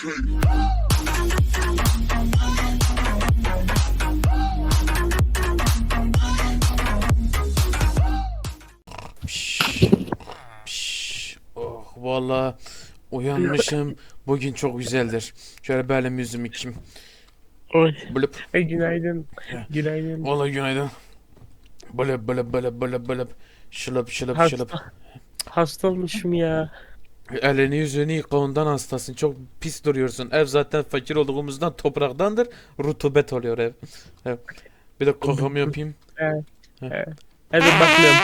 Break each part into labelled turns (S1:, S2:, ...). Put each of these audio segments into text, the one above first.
S1: Oh vallahi uyanmışım. Bugün çok güzeldir. Şöyle belim yüzümü kim?
S2: Oy.
S1: Blıp.
S2: Günaydın. Günaydın.
S1: Vallahi günaydın. Blıp blıp blıp blıp blıp. Şılıp şılıp şılıp.
S2: Hasta olmuşum ya.
S1: Elini yüzünü yıka, ondan hastasın. Çok pis duruyorsun. Ev zaten fakir olduğumuzdan topraktandır. Rutubet oluyor ev. Ev. Bir de kakamı yapayım.
S2: Evet.
S1: Heh.
S2: Evet. Hadi bakmıyorum.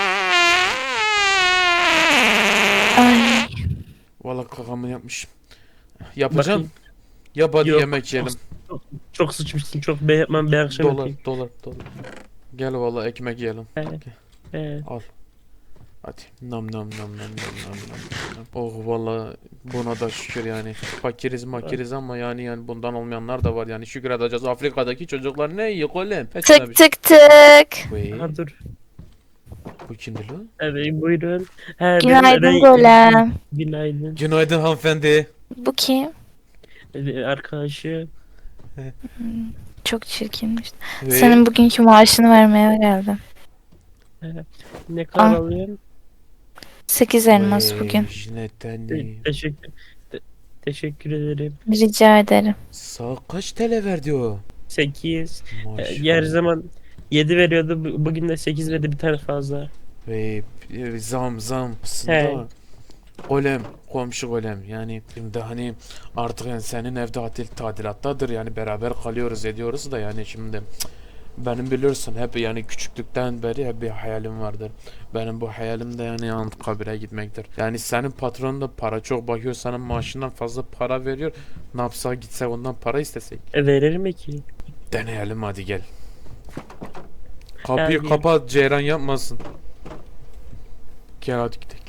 S3: Ay,
S1: Vallahi kakamı yapmışım. Yapacağım.
S2: Bakayım.
S1: Yap hadi,
S2: Yok,
S1: yemek yiyelim.
S2: Çok sıçmışsın. Çok ben akşam
S1: Dolar
S2: yapayım.
S1: dolar dolar. Gel vallahi ekmek yiyelim.
S2: Evet. Evet.
S1: Al. Hadi. Nam nam nam nam nam nam nam. Oh vallahi buna da şükür yani. Fakiriz makiriz ama yani bundan olmayanlar da var yani, şükür edeceğiz. Afrika'daki çocuklar ne yiyor oğlum?
S3: tık tık tık.
S1: Vey,
S2: Aha, dur.
S1: bu kimdi lan?
S2: Evet, buyurun. He,
S3: Günaydın Golem.
S2: Günaydın.
S1: Günaydın hanımefendi.
S3: Bu kim?
S2: Arkadaşı.
S3: Çok çirkinmiş.
S1: Vey.
S3: Senin bugünkü maaşını vermeye geldim.
S2: Ne kadar
S3: Ah.
S2: alıyorsun?
S3: 8 elmas
S1: Vey,
S3: bugün.
S1: jineteni.
S2: Teşekkür ederim.
S3: Rica ederim.
S1: Sağ kaç TL verdi o?
S2: 8. Her
S1: Maşallah.
S2: zaman 7 veriyordu. Bugün de 8 verdi, bir tane fazla.
S1: Vey, zam
S2: He.
S1: aslında. Golem, komşu golem yani şimdi hani artık yani senin ev tadilattadır yani, beraber kalıyoruz ediyoruz da yani şimdi benim biliyorsun hep yani küçüklükten beri hep bir hayalim vardır. Benim bu hayalim de yani Anıtkabir'e gitmektir. Yani senin patron da para çok bakıyor, senin maaşından fazla para veriyor. Ne yapsak, gitsek ondan para istesek.
S2: Verir mi ki?
S1: Deneyelim hadi gel. Kapıyı
S2: Yani-
S1: kapat, ceyran yapmasın. Gel hadi gidelim.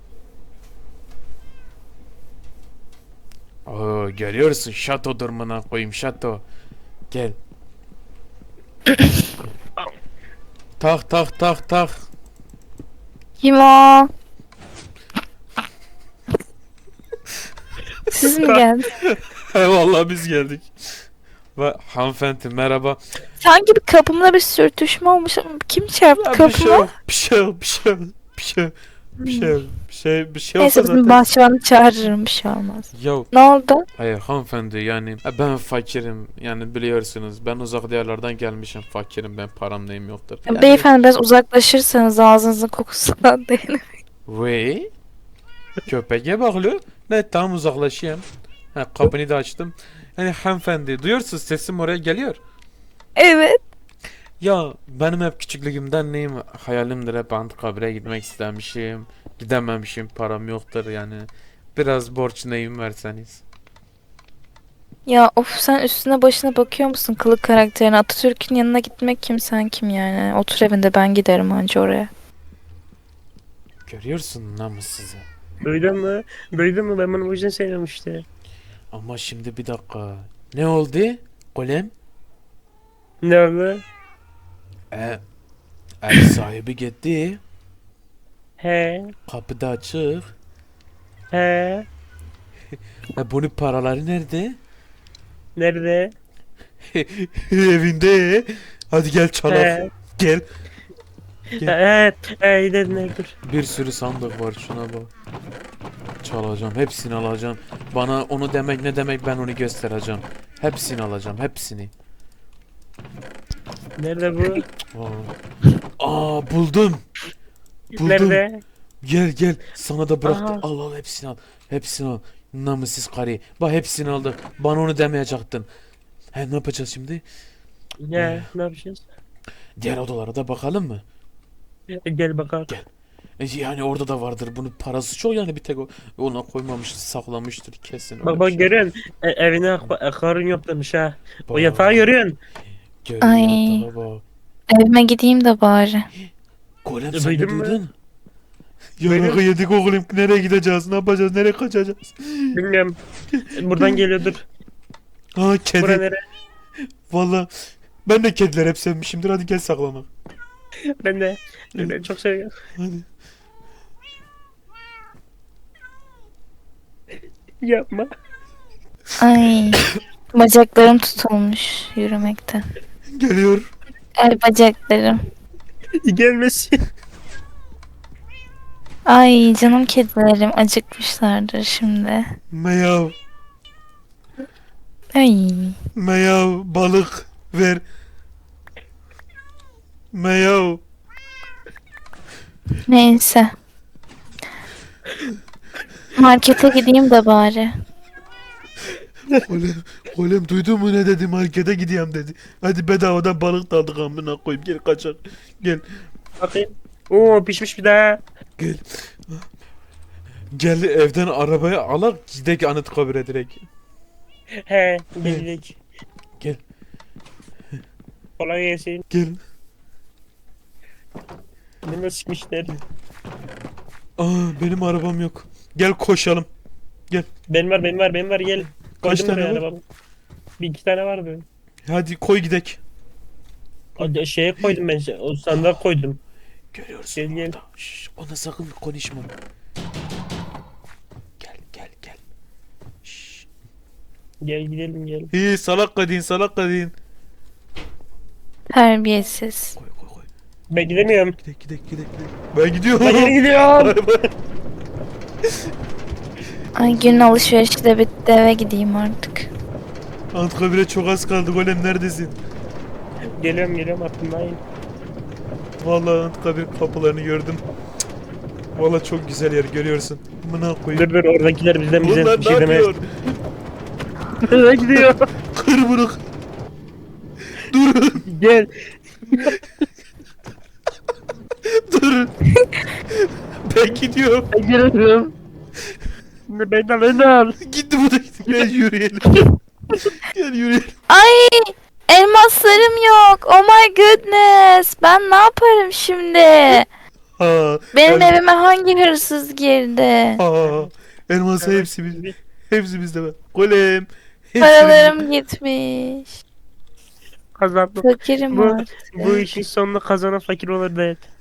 S1: Oo, görüyorsun şato durumuna koyayım, şato. Gel. Tak tak tak tak.
S3: Kim o? Siz mi geldiniz?
S1: Vallahi biz geldik. Ve hanımefendi merhaba.
S3: Sanki bir kapımda bir sürtüşme olmuş ama kim çarptı
S1: Ya bir şey
S3: kapıma?
S1: yok, bir şey yok, bir şey yok, bir şey yok, bir şey yok, bir şey
S3: Neyse
S1: olsa
S3: bizim
S1: zaten.
S3: bahçıvanı çağırırım, bir şey olmaz.
S1: Ya
S3: Ne oldu?
S1: hayır hanımefendi yani ben fakirim yani, biliyorsunuz ben uzak diyarlardan gelmişim, fakirim ben, param neyim yoktur. Yani,
S3: Beyefendi biraz uzaklaşırsanız ağzınızın kokusundan değil.
S1: Vey, köpeğe bakıyor. Ne, tam uzaklaşayım. Ha, kapını da açtım. Yani hanımefendi duyuyorsunuz, sesim oraya geliyor.
S3: Evet.
S1: Ya benim hep küçüklüğümden neyim hayalimdir, hep Anıtkabir'e gitmek istemişim. Gidememişim, param yoktur yani. Biraz borç neyim verseniz.
S3: Ya of, sen üstüne başına bakıyor musun kılık karakterine? Atatürk'ün yanına gitmek kim, sen kim yani? Otur evinde, ben giderim anca oraya.
S1: Görüyorsun namussuzu.
S2: Duydun mu? Duydun mu? Ben bunu bu yüzden sevmiyorum işte.
S1: Ama şimdi bir dakika. Ne oldu? Golem?
S2: Ne oldu?
S1: Ev sahibi gitti.
S2: He.
S1: Kapıda açık.
S2: He.
S1: Bunun paraları nerede?
S2: Nerede?
S1: Evinde. Hadi gel çalak.
S2: He.
S1: Gel.
S2: He. He. Dedin, dur.
S1: Bir sürü sandık var, şuna bak. Çalacağım, hepsini alacağım. Bana onu demek ne demek, ben onu göstereceğim. Hepsini alacağım, hepsini.
S2: Nerede bu?
S1: Buldum. Buldum.
S2: Nerede?
S1: Gel gel, sana da bıraktım.
S2: Aha.
S1: Al hepsini al. Hepsini al. Namussuz karı. Bak hepsini aldı. Bana onu demeyecektin. He, ne yapacağız şimdi?
S2: Ya ne yapacağız?
S1: Diğer odalara da bakalım mı?
S2: Gel bakalım.
S1: Yani orada da vardır. Bunun parası çok yani, bir tek ona koymamıştır, saklamıştır kesin. öyle
S2: Bak
S1: bir
S2: bak,
S1: şey.
S2: görüyorsun. Evine akarın yok demiş ha. O
S1: Bak,
S2: yatağı görüyorsun.
S1: görüyor
S3: Ay.
S1: yatağa bak.
S3: Evime gideyim de bari.
S1: Golem, sen de
S2: Duydun mu?
S1: duydun.
S2: Duydum.
S1: Yaraka yedik oğlum. Nereye gideceğiz? Ne yapacağız? Nereye kaçacağız?
S2: Bilmiyorum. Buradan geliyordur.
S1: Ha,
S2: Bura
S1: kedi.
S2: nere?
S1: Valla ben de kediler hep sevmişimdir. Hadi gel saklamak.
S2: Ben de. Ben çok seviyorum.
S1: Hadi.
S2: Yapma.
S3: Ay. Bacaklarım tutulmuş yürümekten.
S1: Geliyor.
S3: Ay bacaklarım.
S2: Gelmesin.
S3: Ay canım kedilerim acıkmışlardır şimdi.
S1: Meyav.
S3: Ay.
S1: Meyav balık ver. Meyav.
S3: Neyse. Markete gideyim de bari.
S1: Oğlum duydun mu ne dedi, markete gideyim dedi. Hadi bedavadan balık da aldık amına koyayım, gel kaçak. Gel
S2: Bakayım. Oo pişmiş bir daha.
S1: gel. Gel evden arabaya alak gidek Anıtkabir'e direkt.
S2: He gelecek.
S1: Gel
S2: Kolay gelsin.
S1: gel.
S2: Beni sıkmışlar.
S1: Benim arabam yok. Gel koşalım.
S2: Benim var gel.
S1: Kaç
S2: Koydum
S1: tane
S2: buraya
S1: var?
S2: arabamı. Bir iki tane vardı.
S1: Hadi koy gidek.
S2: Şeye koydum ben. O sandığa koydum.
S1: Görüyorsun
S2: Gel, gel.
S1: orada. Şşş, ona sakın konuşma. Gel gel gel. Şşş.
S2: Gel gidelim gel.
S1: İyi salak kadın salak kadın.
S3: Terbiyesiz.
S1: Koy koy koy.
S2: Ben gidemiyorum.
S1: Gidek gidek gidek gidek. Ben gidiyorum.
S2: Ben geri gidiyorum.
S1: Bay bay.
S3: Ay gün alışverişi de bitti eve gideyim artık.
S1: Anıtkabir'e çok az kaldı. Golem neredesin?
S2: Geliyorum aklımdayım.
S1: Vallahi Anıtkabir kapılarını gördüm. Cık. Vallahi çok güzel yer görüyorsun. Amına koyayım.
S2: Dur oradakiler bizden
S1: Bunlar
S2: bir
S1: ne
S2: şey demez.
S1: yapıyor?
S2: Nereye gidiyor?
S1: Kırmırık. Durun.
S2: Gel.
S1: Durun. Ben gidiyorum.
S2: Ben geliyorum. Ben de al.
S1: Gitti bu da gitti. Gel yürüyelim. Gel yürüyelim.
S3: Ay elmaslarım yok. Oh my goodness. Ben ne yaparım şimdi?
S1: Ha,
S3: Benim evime hangi hırsız girdi?
S1: Ha, elması hepsi bizde. Hepsi bizde var. Golem. Hepsi
S3: Paralarım gitmiş.
S2: Kazandım.
S3: Fakirim
S2: Bu-
S3: artık.
S2: Bu işin sonunda kazanan fakir olur değil.